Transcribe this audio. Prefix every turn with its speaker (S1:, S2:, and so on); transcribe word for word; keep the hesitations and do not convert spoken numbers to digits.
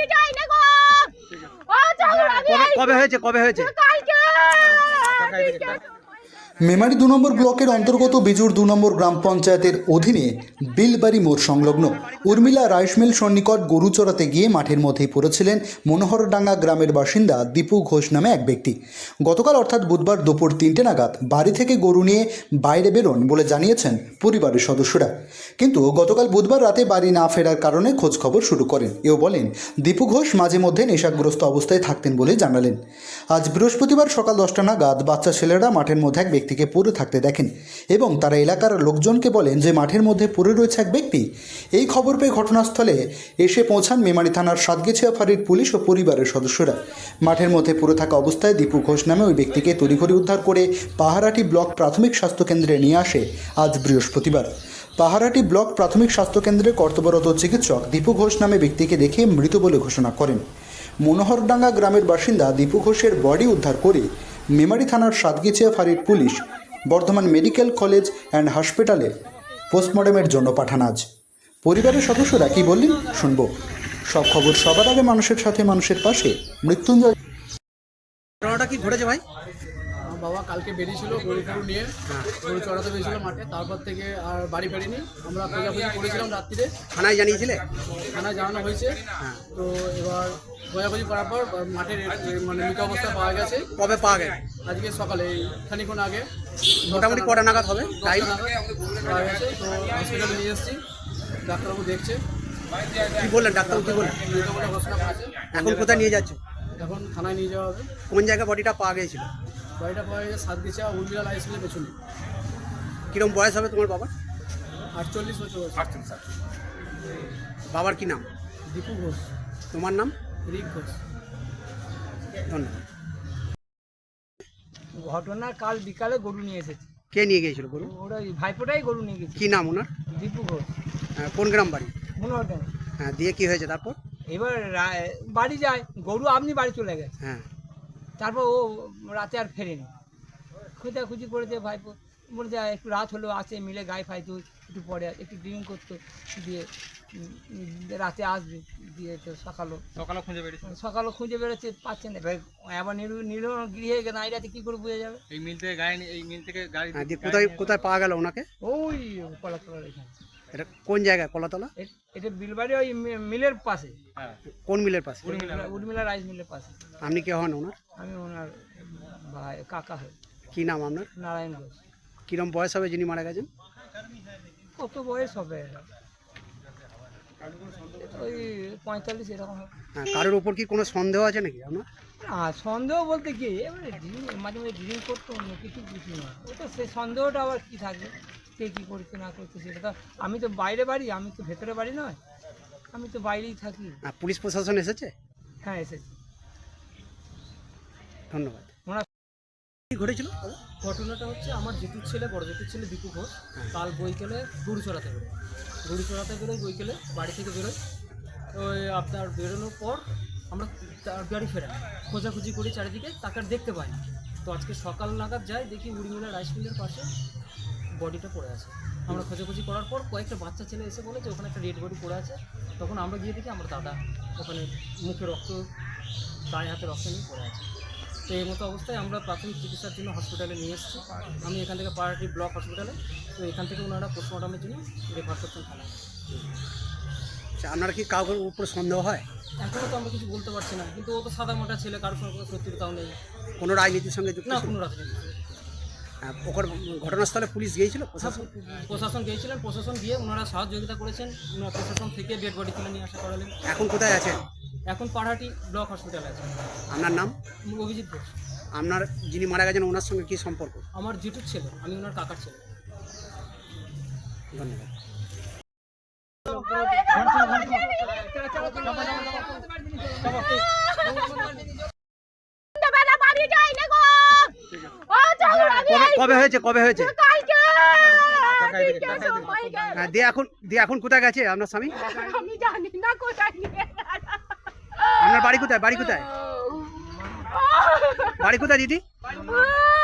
S1: কবে হয়েছে কবে হয়েছে
S2: মেমারি দু নম্বর ব্লকের অন্তর্গত বিজুর দু নম্বর গ্রাম পঞ্চায়েতের অধীনে বিলবাড়ি মোড় সংলগ্ন উর্মিলা রাইস মিল সন্নিকট গরু চড়াতে গিয়ে মাঠের মধ্যেই পড়েছিলেন মনোহরডাঙ্গা গ্রামের বাসিন্দা দীপু ঘোষ নামে এক ব্যক্তি। গতকাল অর্থাৎ বুধবার দুপুর তিনটে নাগাদ বাড়ি থেকে গরু নিয়ে বাইরে বেরোন বলে জানিয়েছেন পরিবারের সদস্যরা, কিন্তু গতকাল বুধবার রাতে বাড়ি না ফেরার কারণে খোঁজ খবর শুরু করেন। এও বলেন দীপু ঘোষ মাঝে মধ্যে নেশাগ্রস্ত অবস্থায় থাকতেন বলে জানালেন। আজ বৃহস্পতিবার সকাল দশটা নাগাদ বাচ্চা ছেলেরা মাঠের মধ্যে এক ব্যক্তিকে পড়ে থাকতে দেখেন এবং তারা এলাকার লোকজনকে বলেন যে মাঠের মধ্যে পড়ে রয়েছে এক ব্যক্তি। এই খবর পেয়ে ঘটনাস্থলে এসে পৌঁছান মেমারি থানার সাতগেছিয়া ফাঁড়ির পুলিশ ও পরিবারের সদস্যরা। মাঠের মধ্যে পড়ে থাকা অবস্থায় দীপু ঘোষ নামে ওই ব্যক্তিকে তড়িঘড়ি উদ্ধার করে পাহারাটি ব্লক প্রাথমিক স্বাস্থ্যকেন্দ্রে নিয়ে আসে আজ বৃহস্পতিবার। পাহারাটি ব্লক প্রাথমিক স্বাস্থ্যকেন্দ্রে কর্তব্যরত চিকিৎসক দীপু ঘোষ নামে ব্যক্তিকে দেখে মৃত বলে ঘোষণা করেন। মনোহরডাঙ্গা গ্রামের বাসিন্দা দীপু ঘোষের বডি উদ্ধার করে মেমারি থানার সাতগেছিয়া ফাঁড়ির police Bardhaman medical college and হসপিটালে পোস্টমর্টমের জন্য পাঠান। আজ পরিবারের সদস্যরা কি বললেন শুনব। সব খবর সবার আগে মানুষের সাথে মানুষের পাশে মৃত্যুঞ্জয়।
S1: ঘটনাটা কি ঘটেছে ভাই?
S3: বাবা কালকে বেরিয়েছিল গরু গরু নিয়ে গরু চড়াতে বেরিয়েছিল মাঠে, তারপর থেকে আর বাড়ি ফেরিনি। আমরা খোঁজাখুঁজি করেছিলাম রাত্রিরে,
S1: থানায় জানিয়েছিলে?
S3: থানায় জানানো হয়েছে। তো এবার খোঁজাখুঁজি করার পর মাঠের মানে মৃত অবস্থা পাওয়া গেছে।
S1: কবে পাওয়া গেছে?
S3: আজকে সকালে খানিক্ষণ আগে
S1: মোটামুটি কটা নাগাদ হবে টাইম?
S3: পাওয়া গেছে। তো হসপিটালে নিয়ে এসেছি, ডাক্তারবাবু দেখছে।
S1: কি বললেন ডাক্তারবাবু? কি বললেন?
S3: মৃত বলে ঘোষণা করেছে।
S1: এখন কোথায় নিয়ে যাচ্ছ?
S3: এখন থানায় নিয়ে যাওয়া হবে।
S1: কোন জায়গায় বডিটা পাওয়া গিয়েছিল?
S3: বাড়িটা পাওয়া গেছে সাতগেছিয়া উর্মিলা রাইস মিলের পেছনে।
S1: কিরকম বয়স হবে তোমার বাবার?
S3: আটচল্লিশ বছর বয়স।
S1: বাবার কি নাম?
S3: দীপু ঘোষ।
S1: তোমার নাম?
S3: রিক ঘোষ।
S1: ধন্যবাদ।
S4: ঘটনা কাল বিকালে গরু নিয়ে এসেছে।
S1: কে নিয়ে গিয়েছিল গরু?
S4: ওরা ভাইপোটাই গরু নিয়ে গেছে।
S1: কি নাম ওনার?
S4: দীপু ঘোষ।
S1: হ্যাঁ, কোন গ্রাম বাড়ি?
S4: মনোহরডাঙ্গা।
S1: হ্যাঁ, দিয়ে কি হয়েছে তারপর?
S4: এবার রা- বাড়ি যায়, গরু আপনি বাড়ি চলে গেছে।
S1: হ্যাঁ,
S4: তারপর ও রাতে আর ফেরেনি, খোঁজাখুঁজি করেছে। ভাইপো বলছে একটু রাত হলো আসে মিলে গায়ে ফাইতো, একটু পরে একটু ড্রিঙ্ক করতো, দিয়ে উম, রাতে আসবে। দিয়ে তো সকালও
S3: সকালে খুঁজে বেরিয়েছে।
S4: সকালও খুঁজে বেরোচ্ছে, পাচ্ছে না। এবার এবার নিল নিল গৃহে নাই রাতে কী করে বোঝা যাবে।
S3: এই মিল থেকে গাড়ি এই মিল থেকে গাড়ি
S1: হ্যাঁ, দিয়ে কোথায় কোথায় পাওয়া গেল ওনাকে?
S4: ওই কলাতলার এখানে।
S1: এটা কোন জায়গায়? কলাতলা?
S4: এ- এটা বিলবাড়ি ওই মি- মিলের পাশে,
S1: কোন মিলের পাশে?
S4: উর্মিলা রাইস মিলের পাশে।
S1: আপনি কে হন ওনার?
S4: আমি ওনার ভাই কাকা হই,
S1: কি নাম আপনার?
S4: নারায়ণ ঘোষ।
S1: কিরম বয়স হবে যিনি মারা গেছেন?
S4: কত বয়স হবে? ওই পঁয়তাল্লিশ এরকম হবে।
S1: হ্যাঁ, কারোর উপর কি কোনো সন্দেহ আছে নাকি আপনার?
S4: আর সন্দেহ বলতে কি, এবারে ড্রিঙ্ক মাঝে মাঝে ড্রিঙ্ক করতো, অন্য কিছু কিছু না। ওটা সেই সন্দেহটা আবার কী থাকবে, কে কী করছে না করছে সেটা তো। আমি তো বাইরে বাড়ি, আমি তো ভেতরে বাড়ি নয়, আমি তো বাইরেই থাকি।
S1: হ্যাঁ, পুলিশ প্রশাসন এসেছে?
S4: হ্যাঁ এসেছি।
S1: ধন্যবাদ।
S4: ওনার
S1: কি ঘটেছিল?
S3: ঘটনাটা হচ্ছে আমার জেঠুর ছেলে, বড় জেঠুর ছেলে দীপু ঘোষ কাল বইকেলে গরু চড়াতে বেরোয়। গরু চড়াতে বেরোয় বইকেলে, বাড়ি থেকে বেরোয়। ওই আপনার বেরোনোর পর আমরা তার বাড়ি ফেরাই, খোঁজাখুঁজি করি চারিদিকে, তাকে আর দেখতে পাই না। তো আজকে সকাল নাগাদ যাই, দেখি উড়িমিলা রাইস মিলের পাশে বডিটা পড়ে আছে। আমরা খোঁজাখুঁজি করার পর কয়েকটা বাচ্চা ছেলে এসে বলে যে ওখানে একটা ডেড বডি পড়ে আছে। তখন আমরা গিয়ে দেখি আমার দাদা ওখানে মুখে রক্ত, গায়ে হাতে রক্ত নিয়ে পড়ে আছে। তো এই মতো অবস্থায় আমরা প্রাথমিক চিকিৎসার জন্য হসপিটালে নিয়ে এসেছি। আমি এখান থেকে পাহাড়ি ব্লক হসপিটালে, তো এখান থেকে ওনারা পোস্টমর্টমের জন্য রেফার করছেন থানায়।
S1: আচ্ছা, আপনার কি কাউকে উপরে সন্দেহ হয়?
S3: এখনও তো আমরা কিছু বলতে পারছি না, কিন্তু ও তো সাদা মোটা ছেলে, কারোর সঙ্গে কোনো শত্রুতাও নেই।
S1: কোনো রাজনীতির সঙ্গে যুক্ত
S3: না,
S1: ছিল?
S3: কোনো রাজনীতি নেই।
S1: হ্যাঁ, ওখানে ঘটনাস্থলে পুলিশ গিয়েছিল?
S3: হ্যাঁ,
S1: প্রশাসন?
S3: প্রশাসন গিয়েছিলেন, প্রশাসন গিয়ে ওনারা সহযোগিতা করেছেন। ওনারা প্রশাসন থেকে ডেড বডি তুলে নিয়ে আসা করালেন।
S1: এখন কোথায় আছেন?
S3: এখন পাহাড়ি ব্লক হসপিটালে আছে।
S1: আপনার নাম?
S3: অভিজিৎ ঘোষ।
S1: আপনার যিনি মারা গেছেন ওনার সঙ্গে কি সম্পর্ক?
S3: আমার জেঠুর ছেলে, আমি ওনার কাকার ছেলে।
S1: ধন্যবাদ। কবে- কবে হয়েছে কবে হয়েছে? হ্যাঁ, দিয়ে এখন দিয়ে এখন কোথায় গেছে আপনার স্বামী?
S5: আমি জানি না কোথায় নিয়ে
S1: আপনার বাড়ি কোথায়? বাড়ি কোথায়? বাড়ি কোথায় দিদি?
S5: গেছে।